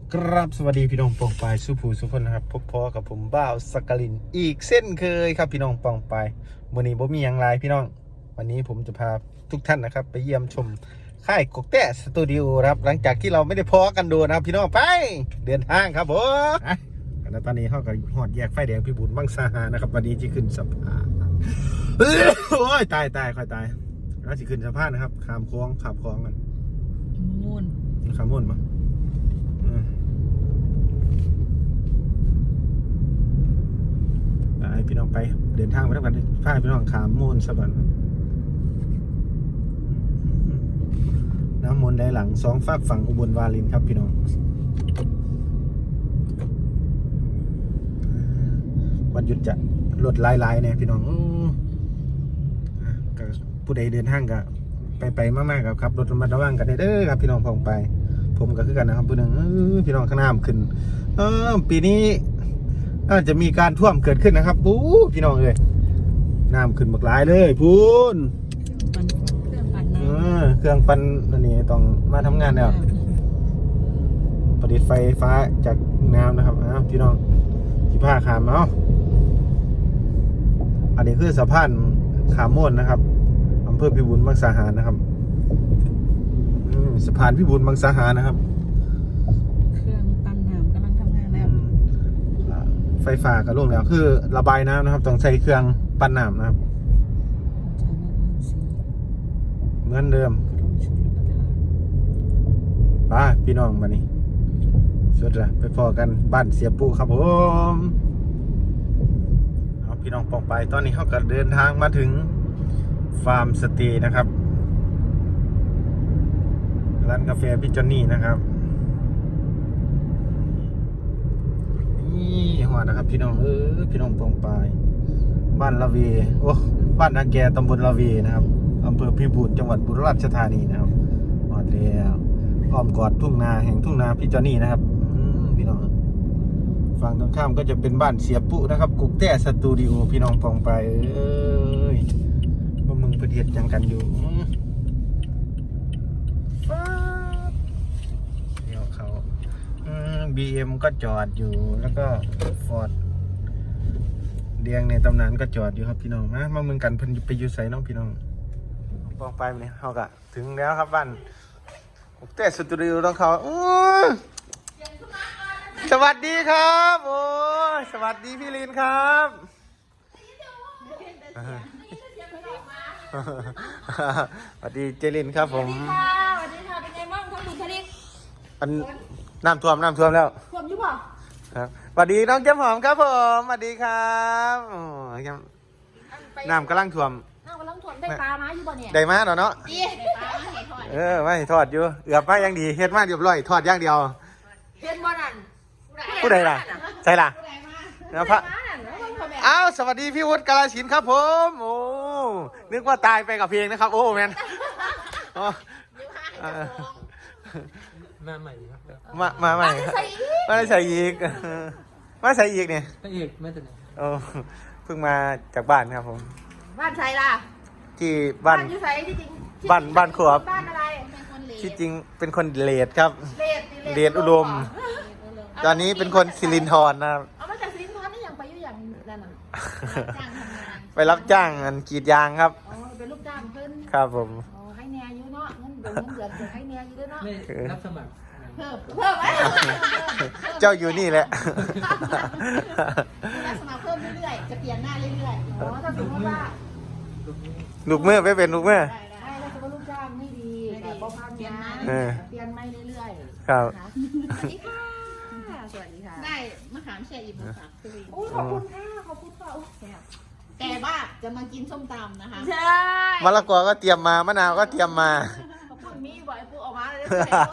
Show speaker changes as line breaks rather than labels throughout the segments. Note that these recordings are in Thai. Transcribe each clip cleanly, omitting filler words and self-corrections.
ครับสวัสดีพี่น้องปองปายสุภูสุคนนะครับพบพอกับผมบ่าวสกลินอีกเส้นเคยครับพี่น้องปองปายวันนี้ผมมีอย่างไรพี่น้องวันนี้ผมจะพาทุกท่านนะครับไปเยี่ยมชมค่ายกกแต้สตูดิโอครับหลังจากที่เราไม่ได้พอกันดูนะครับพี่น้องไปเดินทางครับผมแล้วตอนนี้เขาก็หอดแยกไฟแดงพี่บุญบังสาหานะครับวันนี้จะขึ้นสะพานโอ้ยตายค่อยตายแล้วจะขึ้นสะพานนะครับข้ามคลองขับคลองกัน
มูน
ข้ามมุ่นปะพี่น้องไปเดินทางไปทำกันพาพี่น้องขามมูลสะบันน้ำมนต์ได้หลังสองฝากฝั่งอุบลวารินครับพี่น้องวันหยุดจะลดลายเนี่ยพี่น้องผู้ใดเดินทางก็ไปมากๆครับรถระมัดระวังกันเด้อครับพี่น้องพองไปผมก็คือกันนะครับผู้หนึ่งพี่น้องข้างหน้าขึ้นปีนี้อาจจะมีการท่วมเกิดขึ้นนะครับปูพี่น้องเลยน้ำขึ้นบักหลายเลยพูนเครื่องปั่นอันนี้ต้องมาทำงานแล้วประดิษฐ์ไฟฟ้าจากน้ำนะครับพี่น้องที่ผ้าขามเนาะอันนี้คือสะพานขามม่วนนะครับอำเภอพิบูลมังสาหารนะครับสะพานพิบูลมังสาหารนะครับไฟฟ้าก็ลงแล้วคือระบายน้ำนะครับต้องใช้เครื่องปั่นน้ำนะครับเหมือนเดิมป้าพี่น้องมานี่สุดละไปพอกันบ้านเสียปูครับผมเอาพี่น้องปองไปตอนนี้เขาก็เดินทางมาถึงฟาร์มสเตย์นะครับร้านกาแฟพี่จอนนี่นะครับหัวนะครับพี่น้องพี่น้องปองปายบ้านละเวโอ้บ้านนาแกตำบลละเวนะครับอำเภอพิบูลจังหวัดบุรีรัมย์ธานีนะครับหอดแล้วอ้อมกอดทุ่งนาแห่งทุ่งนาพี่จอนี่นะครับพี่น้องฝั่งตรงข้ามก็จะเป็นบ้านเสียปุ๊นะครับกุกแต้สตูดิโอพี่น้องปองปายว่ามึงประเทศยังกันอยู่BM ก็จอดอยู่แล้วก็ฟอร์ดเดียงในตำนานก็จอดอยู่ครับพี่น้องมาเมืองกันเพิ่นไปอยู่ไสน้องพี่น้องปองไปเนี่ยเขากะถึงแล้วครับบ้านแต่สตูดิโอต้องเขาสวัสดีครับโอ้สวัสดีพี่ลินครับสวัสดีเจลินครับผม
สวัสดีค่ะเป็นไงบ้างทั้งบุญทลิก
น้ำท่วมแล้ว
ท่วมอยู่ป่ะ
ครับสวัสดีน้องเจ้าหอมครับผมสวัสดีครับน้ำกำลังท่วม
ได้ปลามาอยู่ป่ะเนี่ย
ได้มาเนาะ
ได้ปลามาให้ทอด
ไม่ทอดอยู่เอือบมาอย่างดีเฮ็ดมาเรียบร้อยทอดอย่างเดียว
เฮ็ดบ่นั่น
ผู้ใดล่ะใช่ล่ะนะพระอ้าวสวัสดีพี่วุฒิกาลสินธุ์ครับผมโอ้นึกว่าตายไปกับเพลงนะครับโอ้แมน
มาใหม่ครับ
มาใหม่มาใส่อีกมาใส่อีกเนี่ย
พระเอกมาจากไหน
โอ้เพิ่งมาจากบ้านครับผม
บ้านใครล่ะ
ที่บ้าน
อยู่ไสที่จริง
บ้านขวบ
บ้านอะไร
ที่จริงเป็นคนเลดครับเลดอุดมตอนนี้เป็นคนสิรินธรนะครับ
เอามาจากสิรินธรนี่ยังไปอยู่อย่างนั่นน่ะ
ไปรับจ้างกรีดยางครับ
เป็นลูกจ้างเพิ่น
ครับผม
ให้แน่อยู่เนาะเงินเดือนให้แน่อยู่ด้วยเนาะ
รับสมัคร
เพิ่ม
เจ้าอยู่นี่แหละ
รับสมัครเพิ่มเรื่อยๆจะเปลี่ยนหน้าเรื่อยๆถ้าสมมติว่า
ลูกเมื่อไม่เป็นลูกเมื่อ
ได้แล้วจะเป็นลูกจ้างไม่ดีแต่พอพันงานเปลี่ยนไม่เรื่อย
ๆครับ
สวัสดีค่ะได้มะขามแช่อิ่มมะขามคือขอบคุณค่ะขอบคุณค่ะแต่ว่าจะมากินส้มตำนะคะใช่
มะละกอก็เตรียมมามะนาวก็เตรียมมา
พูดมีบ่อยพูดออกมาเลย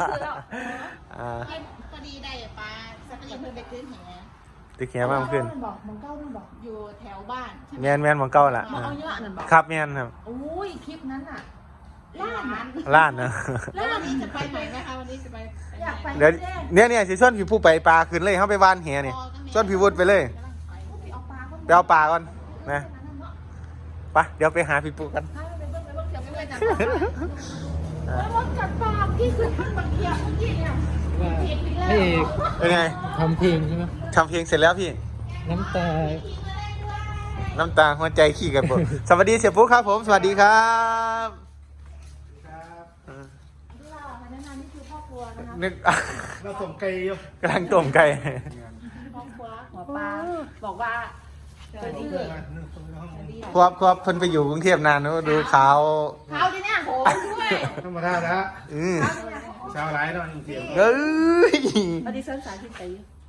พอดีได้ปลาสักนิดเพิ่งไปขึ้นแห
ตึกแหมากขึ้น
บอกมังเก้านั่นบอกอยู่แถวบ้าน
แมนมังเก้าล่ะ
เอาเยอะนั่นบอก
ครับแมนครับ
โอ้ยคลิปนั้นอ่ะ
ล้านนะ
แล้ววันนี้จะไปไหนนะคะวันนี้จะไปอยากไป
เดี๋ยวเนี่ยสิส่วนพี่ผู้ไปปลาขึ้นเลยเขาไปวานแหเนี่ยส่วนพี่วุฒิไปเลยไปเอาปลาก่อนนะไปเดี๋ยวไปหาพี่ปุ๊กัน
แล้วรถกัดปากพี่คือท่านบังเคียบเมื่อกี้เนี่ย
ว่า
ผิดไป
พระเอ
แล้ว
ก
เป็นไง
ทำเพลงใช่ไหม
ทำเพลงเสร็จแล้วพี่
น้ำตา
น้ำตาหัวใจขี้กันผมสวัสดีเสียปุ๊กครับผมสวัสดีครับเออ
ที่เราแนะนำนี่คือครอบครัวนะคะ
นึก
เราส่งไกลอยู่
กำลังต้มไก่
ครอบครัวหัวปลาบอกว่าเกิดที่
ควบเพิ่นไปอยู่กรุงเทพนานนะดูขาว
เขาที่เนี่ยโหมด้วย
ธรรมดาแล้ว
อือ
ชาวไร้ตอนเที่ยว
เอ้ย
ปฏิเสธสายที่ไป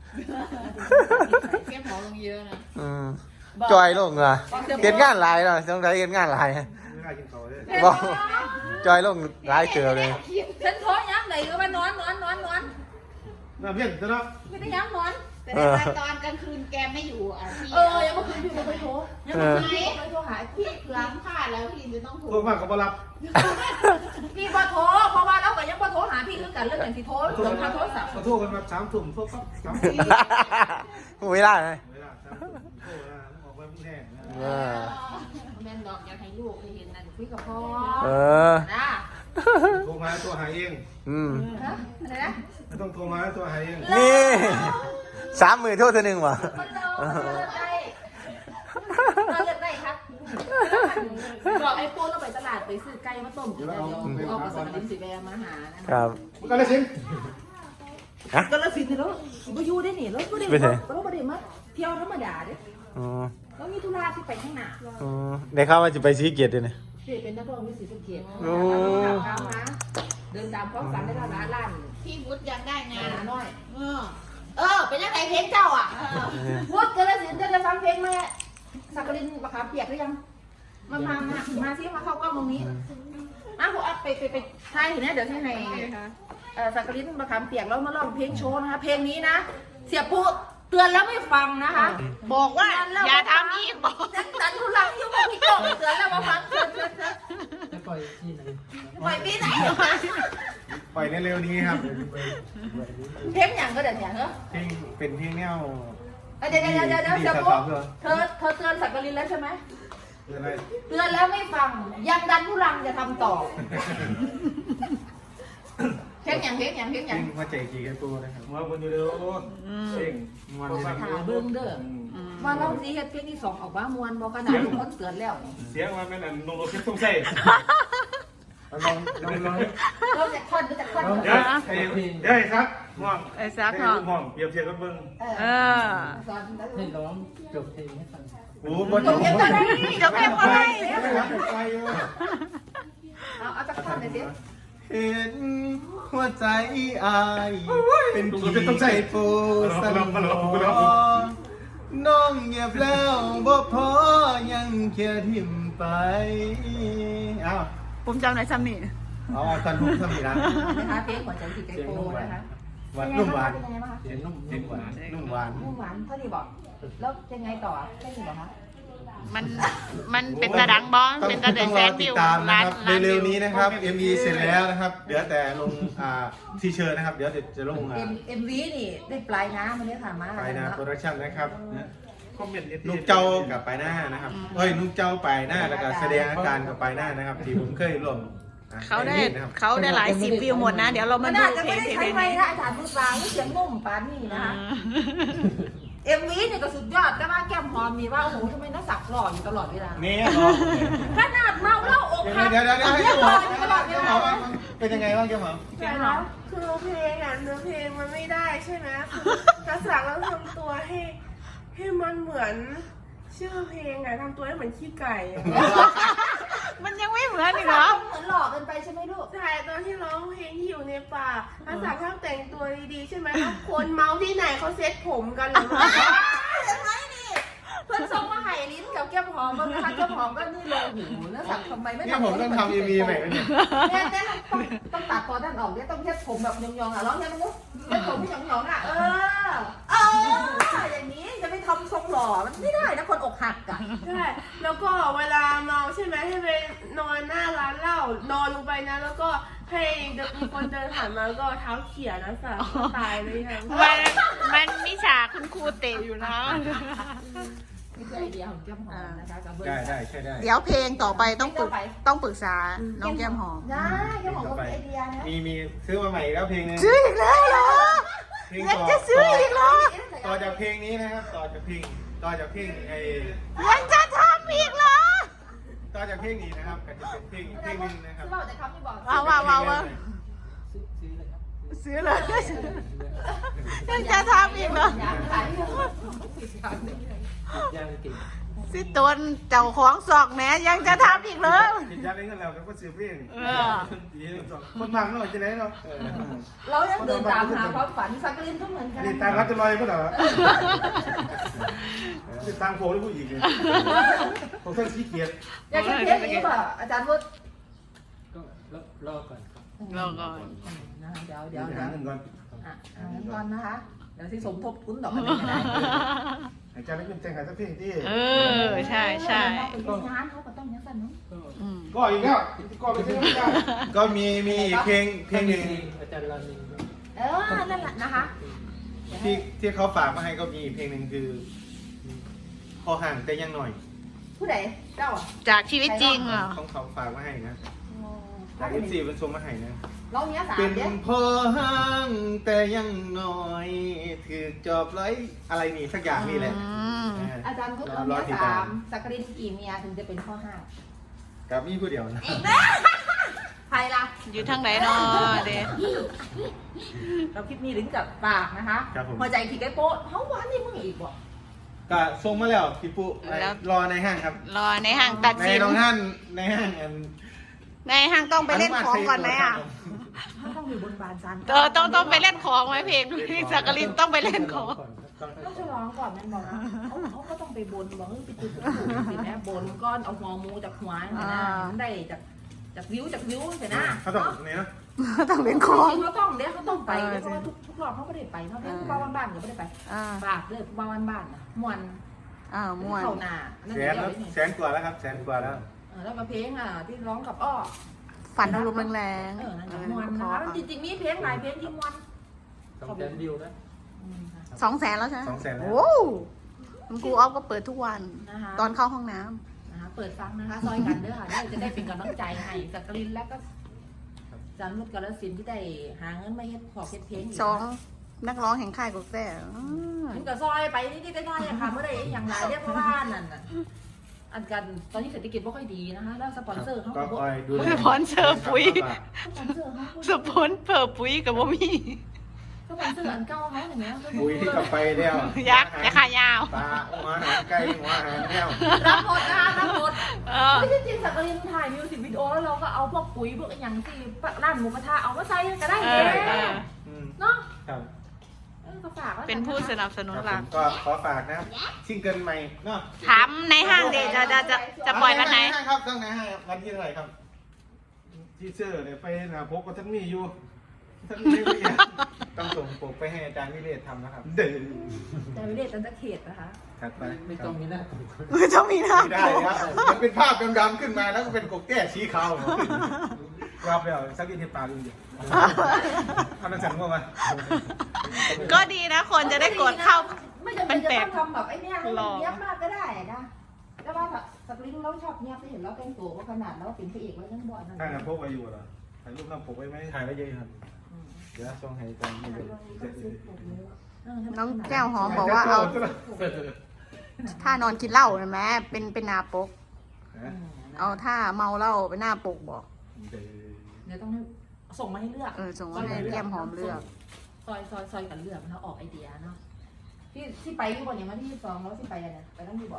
เก็บหมอลงเยอะนะ
อืมจอยลงเหรอเห็นงานหลายเนาะต้องได้เห็นงานหลาย
ไม่ได้กินเขาเลย
บอกจอยลงหลายเกือเลย
ฉันโทษย้ำไหนก็ว่านอน
น้ำเย็นซะเนาะ
ไม่ได้ย้ำนอนแต่ตอนกลางคืนแกไม่อยู่อ่ะพี่ยังเมื่อคืนพี่ไม่โทรยังเมื่อคืนไม่โทรหาพี่เพื่อนพลาดแล้วพี่จะต้องโทร
โทรมากก็บ่รับ
พี่พอโทรเพราะว่าเราก็ยังพอโทรหาพี่คือกันเรื่องอย่างที่โทรเรื่องทางโทรศัพท์
ขอโทษกันแบบ3 ทุ่มโทรปั๊บ3 ทุ่ม
ไม่ได้ไหม
เวลา3 ทุ่มโทรนะออกไปพุ่งแห้งนะ
เออ
แม่นดอกอยากให้ลูกไปเห็นนั่นคุยกับพ่อ
เออ
นะ
โทรมาตัวหายเอง
อืม
อะไรนะ
ไม่ต้องโทรมาตัวหายเอง
นี่30,000โทษเธอหนึ่งวะ
คนเราเลือกได้เราเลือกได้ครับบอกไอ้โป้เราไปตลาดไปซื้อไก่มาต้มกินแล้วเอาภาษาลิ้นสีแดงมาหานะครับ
มันก็เลยสิ
ก็แล้วสิเนี่ยแล้วก็อยู่ได้หนิแล้วก็ได้แล้วก็ได้มาเที่ยวธรรมดาเด้
อ๋อ
แล้วมีธุระที่ไปข้างหน้า
อ๋อได้ข่าวว่าจะไปซีเกียรติด้วยนะ
เด็กเป็นนักร้องมีสีสะเกียรติ
โอ้
เดินตามความฝันได้ละล้านพี่วุฒิยังได้งานน้อยเป็นยังไงเพลงเจ้าอ่ะวุฒิกระสินจะฟังเพลงไหมสักกลินปะคะเปียกหรือยังมาซิมาเข้ากล้องตรงนี้ผมอัพไปถ่ายเห็นไหมเดี๋ยวที่ให้สักกลินปะคะเปียกแล้วมาร้องเพลงโชว์นะคะเพลงนี้นะเสียปุ๊เตือนแล้วไม่ฟังนะคะ บอกว่าอย่าทำอีกบอกฉันทุลังยุ่งกับพี่โจ้เตือนแล้วมาฟังเตือน
จะปล่อยที่ไหน
ปล่อยพี่ไหน
ปล่อยในเร็วนี้ครับ
เพลงอย่างก็เดี๋ยวเนี่ยเหรอ
เพลงเป็นเพลงแนว
เดี๋ยวเสียปุ๊เธอเตือนสักกลินแล้วใช่ไหม
เรื่องอะไร
เตือนแล้วไม่ฟังยังดันทุลังจะทำต่อเพลงอย่าง
เพลงมาใจกี่กันตัวนะครับมาบนอยู่เร็วเพลงมันจะ
หาเบิ้งเด้อว่าเราสิเฮ็ดเพลงที่2ออกมามวนบ่ขนาดทุกคนเตือนแล้ว
เสียงมันเป็นอันนงโรคิดต้องใส่ลอง
เราจะคอนหรือจะคอน
เดี๋ยวไอ้ซักห่วง
ไอ้ซักห่วง
ห่วงเปรียบเทียบกันเบิ่ง
เออ
สอนแล้ว
ให้ร้องจบเพลงให้ฟัง
โอ้บ่
จบเพลงก็ได้
จบเพลงอะไร
เอาจะคอนหน่อยสิ
เห็นหัวใจอายเป็นผีใจปูสันน้องเงียบแล้วบ่พอยังเคียทิมไปอ้าว
ปุ่มจำไหนซ้ำนี่
เอาตอนลูกสมีนะ
นะคะเพลงหัวใจที่ไกโปนะคะ
หวานนุ่มหวาน
เป็นยังไงบ้างคะ
เสียงนุ่ม
นุ่มหวานนุ่มหวาน
นุ่มหวานเท่าที่บอกแล้วยังไงต่อแค่นี้เหรอคะ
มันเป็นตาดังบอล
ต้อง
เป็นตาเดือดแสน
ติ
วิ
ด
ว
ตามนะครับ
ล้าน
เร็วๆ
วิ
นี้นะครับ MV เสร็จแล้วนะครับเหลือแต่ลงทีเชิร์นะครับเดี๋ยวจะลง
MV นี่ได้ปลายน้ำมันนี้ค่ะมา
ไปนะโปรดักชั่นนะครับ
คอมเมนต์
นุกเจ้ากับไปหน้านะครับเฮ้ยนุกเจ้าไปหน้าแล้วก็แสดงอาการกับไปหน้านะครับที่ผมเคยลง
เขาได้
นะครับ
เขาได้หลายสิบวิวหมดนะ เดี๋ยวเรามา
มัน
ดู
น่าจะ
เพล
ไม่
ง
ได้
เพล
ใช้
ง
ไม้
นี้
นะอาจารย์มือปลาเสียงนุ่มปานนี่นะคะ MV เนี่ยก็สุดยอดแต่ว่าแก้มหอมมีว่าโอ้โหทำไมน้าสักหล่ออยู่ตลอดเวลา
นี่
ขนาดเมาเหล้าอกหัก
เดี๋ยวให้
ยัง
ห
ห
ม
ล่
อ
ออยู่ตลอดเวลา
เป็นยังไงบ้างเจ้าหมอ
ใช่แล้ว
คือเพลงอ่ะเนื้อเพลงมันไม่ได้ใช่ไหมคือภาษาเราทำตัวให้มันเหมือนชื่อเพลงอ่ะทำตัวให้เหมือนขี้ไก่อะ
มันยังไม่เหมือนอีกเหรอ
เหมือนหล่อเกินไปใช่ไหมลูก
ใช่ตอนที่ร้องเพลงที่อยู่ในป่าภาษาชอบแต่งตัวดีๆใช่ไหมแล้วคนเมาที่ไหนเขาเซ็ตผมกันเหรอ
ยังไงนี่เพื่อนส่งมาให้ลิ้นกับแก้มหอมมันนะคะแก้มหอมก็นี่เลยหูน้าสักทำไมไม่
นี่ผมต้องทำ MV ใหม่แล้วเนี่ย
เนี่ยต้องตัดคอด้านออกเนี่ยต้องเช็ดผมแบบยองๆอ่ะร้องยังไงลูกเช็ดผมให้ยองๆอ่ะอย่างนี้จะไปทำทรงหล่อมันไม่ได้นะคนอกหักอ่ะ
ใช่แล้วก็เวลาเมาใช่ไหมให้ไปนอนหน้าร้านเหล้านอนลงไปนะแล้วก็ให้มีคนเดินผ่านมาแล้วก็เท้าเขี่ยนะสักตายเลยค่ะ
มันมีฉากคุณครูเตะอยู่นะ
นี่คือไอเดียของแก้มหอมนะคะกับเบอร์
ได้ใช่ได้
เดี๋ยวเพลงต่อไปต้องปรึกษาน้องแก้มหอม
ได้แก้มหอมก็มีไอเดียนะ
มีซื้อมาใหม่แล้วเพลงนึง
ซื้ออีกแล้วเหรอ
เพลง
ยังจะซื้ออีกเหรอ
ต่อจากเพลงนี้นะครับต่อจากเพลงไอ้
ยังจะทำอีกเหรอ
ต่อจากเพลงนี้นะครับก็จะเป็นเพลงนึงนะครับ
เราแต่เขาไม่บอก
ว้าว
ซื้อเลยครับ
ซื้อเลยยังจะทำอีกเหรอ
อยากขาย
ย่างกิน
สิตนเจ้าของซอกแหม่ยังจะทำอีกเหรอ
กินยาเล่นกันแล้วก็ซื้อเพลง
เออ
คนฟังเนาะจะไหนเนาะ
เรายังเดินตามหาความฝันสักลินก็เหมือนกัน
นี่ตามรัฐลอยก็เหรอติดตามโผล่หรือผู้หญิงเนี่ยผมต้องขี้เกียจ
อยากจะเทสนี้ป่ะอาจารย์วุฒิ
ก็รอก่อนครับ
รอก่อน
เดี๋ยว
หาเงินก่อน
หาเงินก่อนนะคะ เดี๋ยวที่สมทบทุนดอกกันได้
หายใจแล้วขึ้นแจ้งหายสักเพลงที่
เออใช่
เป็นงานเขาก็ต้องยังสั่นเนาะ
ก็
อืม
ก็อีกแล้วก็ไปซื้อไม่ได้ก็มีอีกเพลงหนึ่ง
อาจารย์รามิน
นั่นแหละนะคะ
ที่เขาฝากมาให้ก็มีเพลงหนึ่งคือพอห่างแต่ยังหน่อย
ผู้ใดเจ้าอ่ะ
จากชีวิตจริงเหรอ
ของเขาฝากมาให้นะจากFCเป็นส่งมาให้นะ
ร้องเนี้ยสาม
เป็น
เนี้ย
พอห่างแต่ยังหน่อยถือจอบไร้อะไรนี่สักอย่างนี่แหละ
อาจารย์พุทธร้องเนี้ยสามสักรินกี่เมียถึงจะเป็นข้อห้า
กับมีผู้เดียวนะ
ใครล่ะ
อยู่ทางไหนเนาะเด็
เราคลิปนี้ถึงกับปากนะคะหัวใจขีดไก่โป๊ะเขาหวานนี่มึงอีกบ่
ก็ส่งมาแล้วพี่ปุ๊รอในห้างครับ
รอในห้างตัด
ใน
สิน
น้องท่านในห้างอัน
ในห้างต้องไปเล่นของก่อนไหมอ่ะ
เขาต้องมีบนบานซัน
ต้องไปเล่นของไหมเพลงพี่สักกลินต้องไปเล่นของ
ต้องฉลองก่อนแม่นบอกนะเขาก็ต้องไปบนบอกไปจุดสิแม่บนก้อนเอาหัวหมูจากหัวนะมันได้จากวิวเห็นนะ
เขาต้องนี้นะ
ต้องเล่นของ
เขาต้องเดี๋ยวเขาต้องไปเพราะว่าทุกรอบเขาไม่ได้ไปเขาเป็นบ้านบ้านก็ไม่ได้ไป ฝากเลยบ้านบ้านนะมวน
ม่วน
เข้าหน้า
แสนกว่าแล้วครับแสนกว่าแล้ว
แล้วมาเพลงที่ร้องกับอ้อ
ฝันอารมณ์แรง
นั่นมวนนะคะจริงๆมีเพลงหลายเพลงที่มวน
200,000 วิวนะ
200,000แล้วใช่ไหม
200,000
โอ้คุณครูออฟก็เปิดทุกวัน ตอนเข้าห้องน้ำ
นะคะเปิดฟังนะคะซอยกันเด้อค่ะจะได้เป็นกำลังใจให้สักกลินแล้วก็จันมุดกาลสินที่ได้หาเงินมาเฮ็ดขอเฮ็ดเพลง
นักร้องแห่งค่ายกาแฟ
มันก็ซอยไปนิดๆน้อยๆค่ะเมื่อใดอย่างไรเรียกว่านั่นน่ะอันกันตอนนี้เศรษฐกิจไม่ค่อยดีนะคะแล้วสปอนเซอร์เขา
ก็
ก็
คอยดู
สปอนเซอร์ปุ๋ย
สปอนเซอร์เขา
สปอนเซอร์ปุ๋ยกับบ่มี
สปอนเซอร์อันเก่าเขาอย่างเงี้ย
บุยที่กลับไปแล้ว
ยักษ์แต่ขายาว
ปลาหัวอาหารไก่หัวอาหารแมว
รับหมดนะคะรับหมด
เออ
ไม่ใช่จริงสักกลินถ่ายมิวสิกวิดีโอแล้วเราก็เอาพวกปุ๋ยพวกอย่างที่ร้านหมูกระทะเอามาใส่ก็ได้เลยเนาะ
ครับ
ก็ฝากไว้
เป็นผู้สนับสนุนหลัก
ก็ขอฝากนะซิงเกิลใหม่เนาะ
ถามในห้างเดจะปล่อยวันไหน
ครับต้องไหนให้วันที่เท่าไหร่ครับที่เซอร์เนี่ยไปนะพบกับท่านมีอยู่ท่านมีต้องส่งปกไปให้อาจารย์วิเรศทำนะครับเด้อ
แต่ไม่ได้ตันตะเขตนะคะ
ถัดไป
ไม่ต้องมีหน้าผม
ไม่ต้องมีนะ
ไม่ได้ครับมันเป็นภาพดำๆขึ้นมาแล้วก็เป็นกบแก้ชี้ขาวรับแล้วสักทีเทปาลุงเดียวทำนักสั่งว่ามา
ก็ดีนะ คนจะได้กดเข้า
ไม่จำเป็นจะต้องทำแบบไอ้เนี่ยให้มันเนี้ยบมากก็ได้นะแต่ว่าสปริงเราชอบเนี้ยบไปเห็นเราแต่งตัวว่าขนาดเราเป็นพระเอกแล้วทั้งบ่อยนั่น
ถ่ายกับพกไว้อยู่เหรอถ่ายรูปน้ำพกไว้ไหมถ่ายไว้เยอะครับเดี๋ยวส่งให้อาจารย์ไม่เยอะ
น้องแก้วหอมบอกว่าเอาถ้านอนกินเหล้านะแม่เป็นหน้าปก เอาถ้าเมาเหล้าเป็นหน้าปกบอก
เดี๋ยวต้องส่งมาให้เลือก
ส่งมาให้แก้มหอมเลือก
ซอยกันเลือกนะออกไอเดียเนาะที่ไปที่บนอย่างวันที่2แล้วที่ไปอะไรไปต้องมีบอก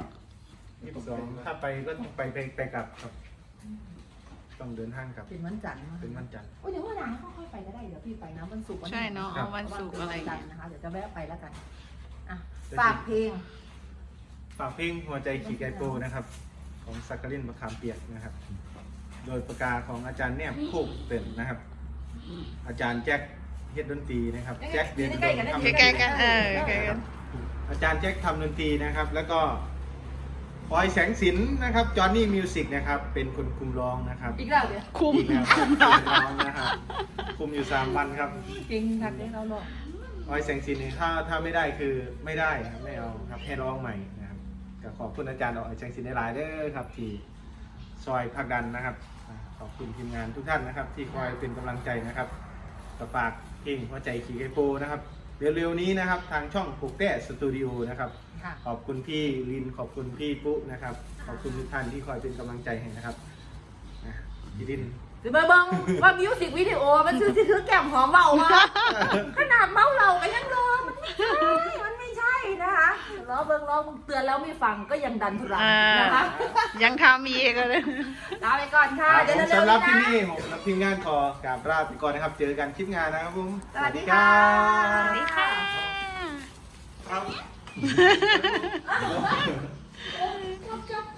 22ถ้าไปก็ต้องไปกลับครับ ต้องเดินทางกลับ
เป็นวันจันทร์
เป็นวันจันทร์
โอ้ยเดี๋ยววันไหนค่อยไปก็ได้เดี๋ยวพี่ไปนะวันศุกร์
ใช่เนาะเอาวันศุกร์อะไร
จันทร์นะคะเดี๋ยวจะแวะไปแล้วกันอ่ะฝากเพลง
ฝากเพลงหัวใจขี่ไก่โปนะครับ ของสักกลินมะขามเปียกนะครับ โดยประกาศของอาจารย์แนบโคกเป็นนะครับ อาจารย์แจ็คเฮ็ดดนตรีนะครับแจ็คเรียนดนตรีทำ
ใกล้ๆกันใกล้ๆกัน
อาจารย์แจ็คทำดนตรีนะครับ แล้วก็พลอยแสงสินนะครับจอห์นนี่มิวสิกนะครับเป็นคนคุมร้องนะครับ
อีกแล้วเดี๋ยว
คุม
อีกแล้วครับคุมร้องนะครับคุมอยู่3 วันครับ
จริงทักได้เราหรอก
พลอยแสงสินนี่ถ้าไม่ได้คือไม่ได้ครับไม่เอาครับให้ร้องใหม่นะครับก็ก็ขอบคุณอาจารย์ออกจังสินได้หลายเด้อครับที่ซอยผลักดันนะครับขอบคุณทีมงานทุกท่านนะครับ ที่คอยเป็นกำลังใจนะครับก็ฝากเพลงหัวใจขี่ไก่โปนะครับเร็วๆนี้นะครับทางช่องปลูกแต้สตูดิโอนะครับ
ค่ะ
ขอบคุณพี่ลินขอบคุณพี่ปุ๊นะครับขอบคุณทุกท่านที่คอยเป็นกำลังใจให้นะครับพี่ลิน
หรือมาเบิ่งว่ามิวสิกวิดีโอมันคือแก้มหอมเบามาขนาดเมาเราก็ยังรอมันไม่ใช่นะคะรอเบิ่งเตือนแล้วไม่ฟังก็ยังดันทุรังนะคะ
ยังทำอีกเลย
ลาไปก่อนค่ะเดี๋ยว
สำหรับที่
ๆ
นี่ผมและทีมงานขอกราบลาไปก่อนนะครับ เจอกันคลิปงานนะครับผม
สวัสดีค่ะ
สวัสดีค่ะ
ครับ
นะ